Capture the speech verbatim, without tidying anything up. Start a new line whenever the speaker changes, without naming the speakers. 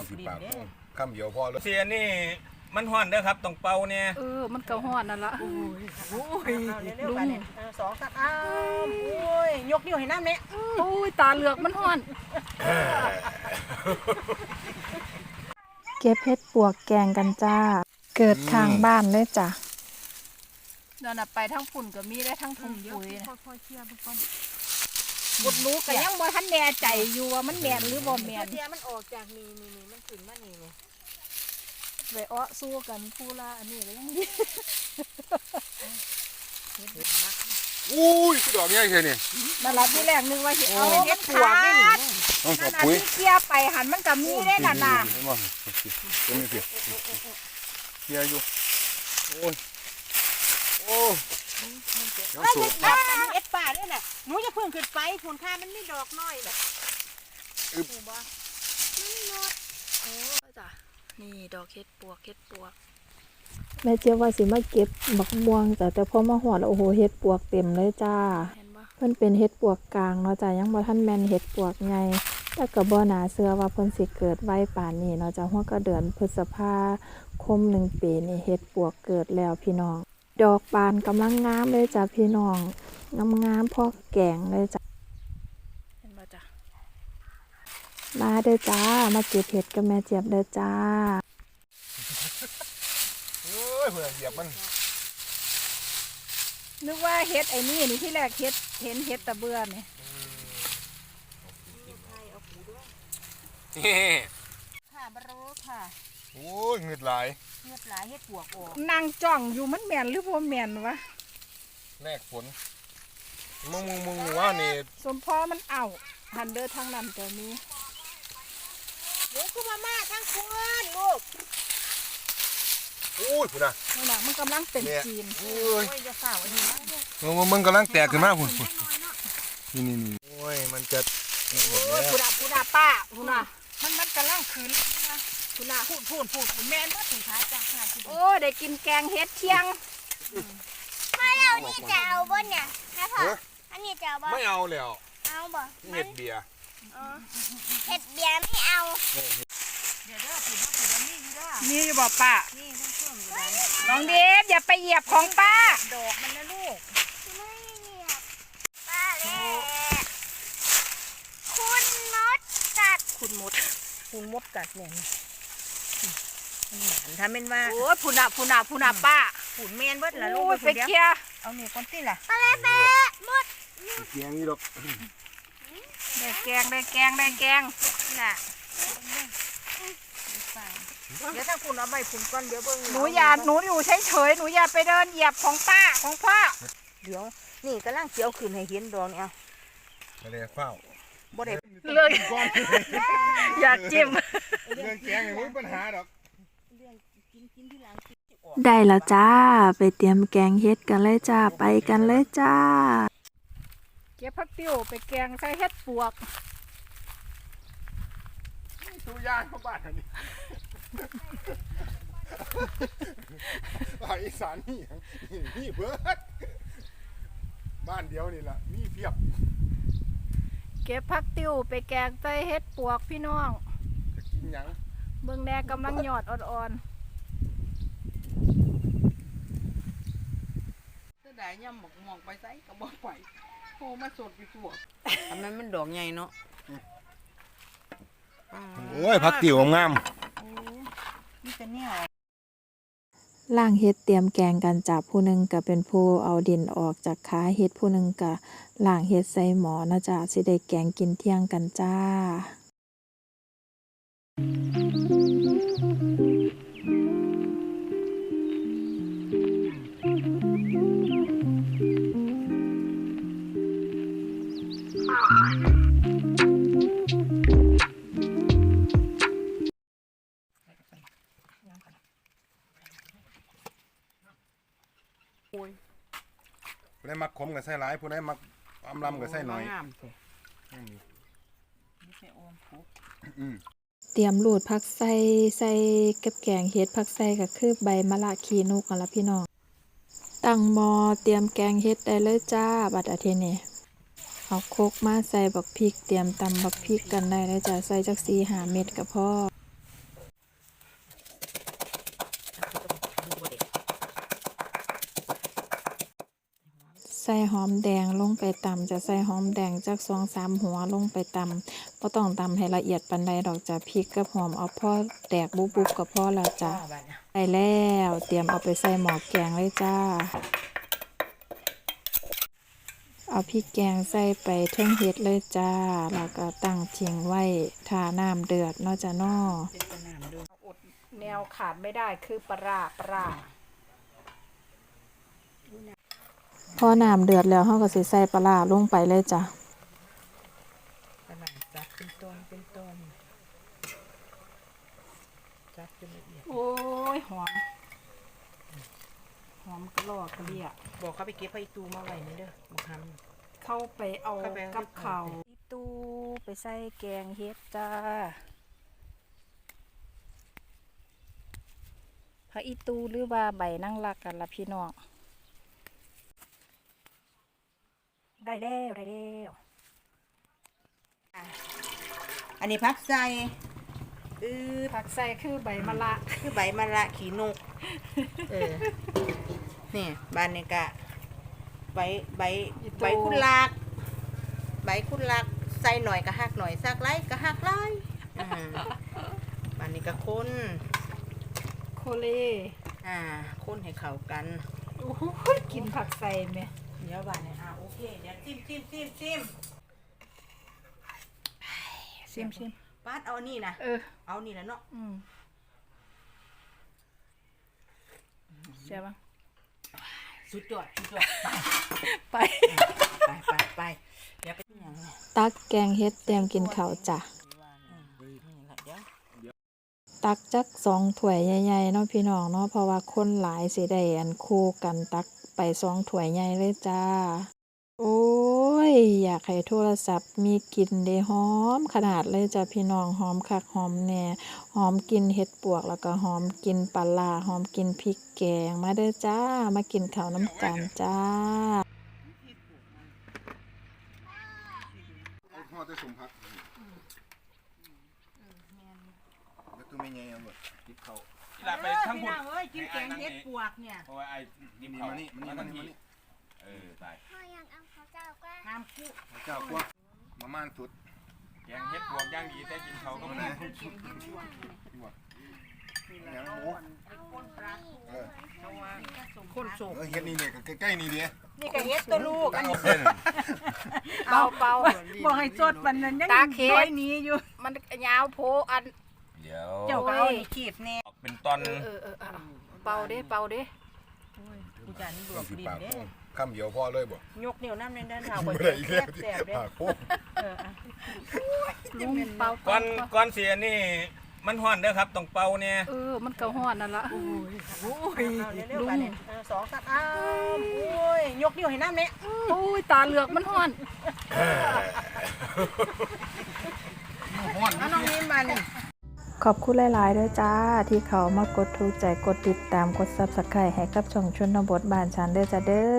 สิปากคำเดียวพอแล้ว
เสียนี่มันห่อนเด้อครับต้องเป่าเนี่ย
เออมันก็ฮ้อนนั่นละ
โอ้ยโอ้ยลุงสองสามอ้าวโอ้ยยกนิ้วให้น้ำเนี่ย
โอ้ยตาเหลือกมันฮ้อน
เก็บเห็ดปวกแกงกันจ้าเกิดข้างบ้านเลยจ้ะ
นั่นน่ะไปทั้งฝุ่นก็มีได้ทั้งถุงปุ๋ยนะ
ค่อยๆเคลียร์ไปก่อน
บดรู้ก็ยังบ่ทันแน่ใจอยู่ว่ามันแม่นหรือบ่แม่น
เทียมันออกจากนี่นี่นี่มันขึ้นมานี่นี่
ไปอ้อสู้กันผู้ละอันนี้ก็ยังดี
อุ้ยดอกใหญ่แค่นี้
มารับที่แรกนึกว่าสิเอาเฮ็ดปวกนี่นี่นั่นน่ะที่เกี่ยไปหันมันก็มีได้นั่นน่ะ
เห็นบ่เห็นมั้ยพี่เกี่ยอยู่โอ้ยโอ้
มันจะจับกันเอ็ดป่าด้วยน่ะหนูจะเพิ่งขึ้นไปผลค่ามันไม่ดอกน้อยแบบ
อึบบ่นี่นดโอ้จ้ะนี่ดอกเฮ็ดปวกเฮ็ดปวก
แม่เจี๊ยบว่าสิมาเก็บบักม่วงจ้ะแต่พอมาหอดแล้วโอ้โหเห็ดปวกเต็มเลยจ้าเพิ่นเป็นเห็ดปวกกลางเนาะจ้ะยังบ่ทันแม่นเห็ดปวกใหญ่แต่ก็บ่น่าเชื่อว่าเพิ่นสิเกิดไวป่านนี้เนาะจ้ะฮอดก็เดือนพฤษภาคมหนึ่งปีนี่เห็ดปวกเกิดแล้วพี่น้องดอกบานกำลังงามเลยจ้ะพี่น้องงามๆพอแกงเลยจ้ะ
เห็นบ่จ้ะ
มาเด้อจ้ามาเก็บเห็ดกับแม่เจี๊ยบเด้อจ้า
เอ้ยเพิ่นเหยียบมัน
นึกว่าเฮ็ดไอ้นี่นี่ที่แรกเฮ็ดเห็นเฮ็ดตะเบื่อนี่
ค่ะบรูค่ะ
โอ้ยเงือดไหล
เงือดไหลเฮ็ดปวกออก
นางจ้องอยู่มันแม่นหรือบ่แม่นวะ
แลกฝนมึงมึงมึงว่านี่
สมพอมันเอาหันเด้อทางนั้นจะมี
เดี๋ยวคือมาม่าทั้งคนลูก
โอ้ยพุ่นน่ะ
นี่น่ะมันกำลังเป็นจีน
โอ้ย
จะฝ่าวันนี้
มึงมึงกำลังแตกขึ้นมาพุ่นนี่นี่นี่โอ้ยมันจะ
โอ้ยพุ่นน่ะพุ่นน่ะป้าพุ่นน่ะมันมันกำลังขึ้นพุ่นน่ะพูดพูดพูดแม่นว่าถึงท้ายจ้ะโอ้ได้กินแกงเฮ็ดเที่ยง
พ่อเรานี่จะเอาบ่เนี่ยนะพ่ออันนี้จะเอาบ่
ไม่เอาแล้ว
เอาบ่
เห็ดเบียร์
เห็ดเบียร์ไม่เอา
เดี๋ยวเด้อผิดผิดอันนี้อยู่เด้อ
นี่อยู่บ่ป้า
นี่ต้องเพิ่มอยู่ได้
น้องเดฟอย่าไปเหยียบของป้า
ดอกมันนะลูก
ไม่เหยียบป้าเลยคุณมดกัด
คุณมด
คุณมดกัดเนี่ยมันหนทำเป็นว่า
โอ้ยพุ่นน่ะพุ่นน่ะพุ่นน่ะป้า
ฝุ่นเมียนเบิดละลูก
ไปเคี่ย
เอาเนี่ยก้อนตีล่ะ
ปลาเป๊ะมด
เกียงนี่ดอก
ได้แกงได้แกงได้แกงน่ะ
เดี๋ยวถ้าฝุ่นเอาใบฝุ่นก้อนเดี๋ยวเบิ่ง
หนูอย่าหนูอยู่เฉยเฉยหนูอย่าไปเดินเหยียบของป้าของพ่อ
เดี๋ยวนี่กำลังเกี่ยวขึ้นให้เห็นดอกเนี่ย
ไม่ได้เฝ้า
บ่ได้
เรื่องอย่าจิ้ม
เรื่องแกงไม่มีปัญหาดอก
ได้แล้วจ้าไปเตรียมแกงเฮ็ดกันเลยจ้าไปกันเลยจ้า
เก็บผักติ้วไปแกงใส่เฮ็ดปวก
ตู้ย่างเข้าบ้านอันนี้ภาคอีสานนี่นี่เบิดบ้านเดียวนี่แหละมีเพียบ
เก็บผักติ้วไปแกงใส่เฮ็ดปวกพี่น้อง
จะกินยัง
เบิ่งแน่กำลังหยอดอ่อน
ๆได้ย่ำหมกหมอกไปใส่กระบอกไปโอ้มาสดไปตัวทำไมมันดอกใหญ่เนาะ
โอ้ยผักติ๋วงาม
นี่เป็นเนี่ย
ล่างเฮ็ดเตรียมแกงกันจับผู้หนึ่งก็เป็นผู้เอาดินออกจากขาเฮ็ดผู้หนึ่งก็ล่างเฮ็ดใส่หมอนะจ๊ะสิได้แกงกินเที่ยงกันจ้า
ผู้ใดมักขมกับไส้หลายผู้ใดมักอำลำกับไส้น้อย
เตรียมรูดผักใส่ใส่กับแกงเฮ็ดผักใส่ก็คือใบมะละขีนุกกันละพี่น้องตั้งหม้อเตรียมแกงเฮ็ดได้เลยจ้าบัดอาทิตย์นี้เอาโคกมาใส่บักพริกเตรียมตำบักพริกกันได้เลยจ้าใส่จักสี่ห้าเม็ดก็พอใส่หอมแดงลงไปตำจะใส่หอมแดงจากสองสามหัวลงไปตำบ่ต้องตำให้ละเอียดปานใดดอกจ้ะพริกกับหอมเอาพอแตกบุบๆก็พอแล้วจ้ะได้แล้วเตรียมเอาไปใส่หม้อแกงเลยจ้าเอาพริกแกงใส่ไปเทิงเฮ็ดเลยจ้าแล้วก็ตั้งทิ้งไว้ท่าน้ำเดือดเนาะจ้ะเนาะอดแนวขาดไม่ได้คือปลาร้าปลาร้าพอน้ำเดือดแล้วเฮาก็สิใส่ปลาร้าลงไปเลยจ้ะ
ปลาจับเป็นต้นเป็นต้นจับจนละเอียด
โอ้ยหอมหอมกระลอกกระเลีย
บอกเขาไปเก็บไผ่ตูมาไว้นี่เด้อบอกทำ
เข้าไปเอา
เข้าไปเอา
กับเขา
อีตูไปใส่แกงเฮ็ดจ้าผักอีตูหรือว่าใบนั่งรักกันล่ะพี่น้องได้แล้วได้แล้ว
อันนี้พักใส่อือ
ผักใส่คือใบมะละ
คือใบมะระขีนกเออนี่บานนี่กะใบใบใบคุณลากใบคุณลากใส่หน่อยก็หักหน่อยสักไรก็หักไรอ่าบานนี้ก็คน
โคเล
อ่าคนให้เข้ากัน
โอ้โหกินผักใส่ไหม
เดี๋ยวบานนี้อ่าโอเคเดี๋ยวจิ้มจิ้มจิ้มจิ้ม
ชิมชิม
ปาดเอานี่นะ
เออ
เอานี่แหละเนาะ
อืมใช่ปะ
สุดยอดสุดยอดไป
ไป
ไปไปไปเดี๋ยวไปที่ยังไง
ตักแกงเฮ็ดเตรียมกินข้าวจ้ะ
นี่แหละเดี๋ยว
ตักจักสองถ้วยใหญ่ๆเนาะพี่น้องเนาะเพราะว่าคนหลายสิได้อันคู่กันตักไปสองถ้วยใหญ่เลยจ้าโอ้ยอยากให้โทรศัพท์มีกลิ่นได้หอมขนาดเลยจ้ะพี่น้องหอมคักหอมแน่หอมกินเห็ดปวกแล้วก็หอมกินปลาร้าหอมกินพริกแกงมาเด้อจ้ามากินข้าวน้ำกันจ้า
เอาทอดได้สมพักแล้วตัวไม่ไงเอาหมดกินเขา
หลับไปทั้งหมด
เอ้ยกินแกงเห็ดปวกเนี่ย
เพราะว่าไอ้ดิม
นี่
เขา
มานี่มานี่มานี่มานี่
เออตาย
พ่อยังเอาเขาเจ้าก็
น้ำคู่
เจ้ากว่ามาม่านสุด
แกงเฮ็ดบวกย่างดีแต่กินเขาก็ไม่ได้
แหนมหมู
คนปลา
เออ
คนสุก
เออเฮ็ดนี่เนี่ยใกล้ๆนี่เดีย
นี่ก็เห็ดตัวลูกอันนี้
เบาเบา
บอกให้สดวันนั้นยัง
ตาเข็ด
น้อยหนี้อยู่
มันยาวโพอัน
เดี๋ยว
เจ้าก็เอานี่ขีดแน่
ออกเป็นตอน
เออเออเออเอาเบาเด้เบาเด้
กูจันบวกดินเด้
คำเดียวพอเลยบ่
ยกนิ้วน้ำในด้านเท้า
ไม่
ก็
ได้
เจ็
อี
บ
กแล้ว
แสบเด้
ปากโคก
เอออ่ะ
ลุงเบา
ก่อนก่อนเสียนี่มันฮ้อนเด้อครับต้องเป่าเนี่ย
เออมันก็ฮ้อนนั่นละ
เอาเร็วๆกันเนี่ยเออสองสามอ้าวโอ้ยยกนิ้วให้น้ำเนี่ย
โอ้ยตาเหลือกมันฮ้อน
เอาน้องนิ่มมัน
ขอบคุณหลายๆด้วยจ้าที่เขามากดถูกใจกดติดตามกด ซับสไครบ์ ให้กับช่องชนบทบ้านฉันเด้อจ้าเด้อ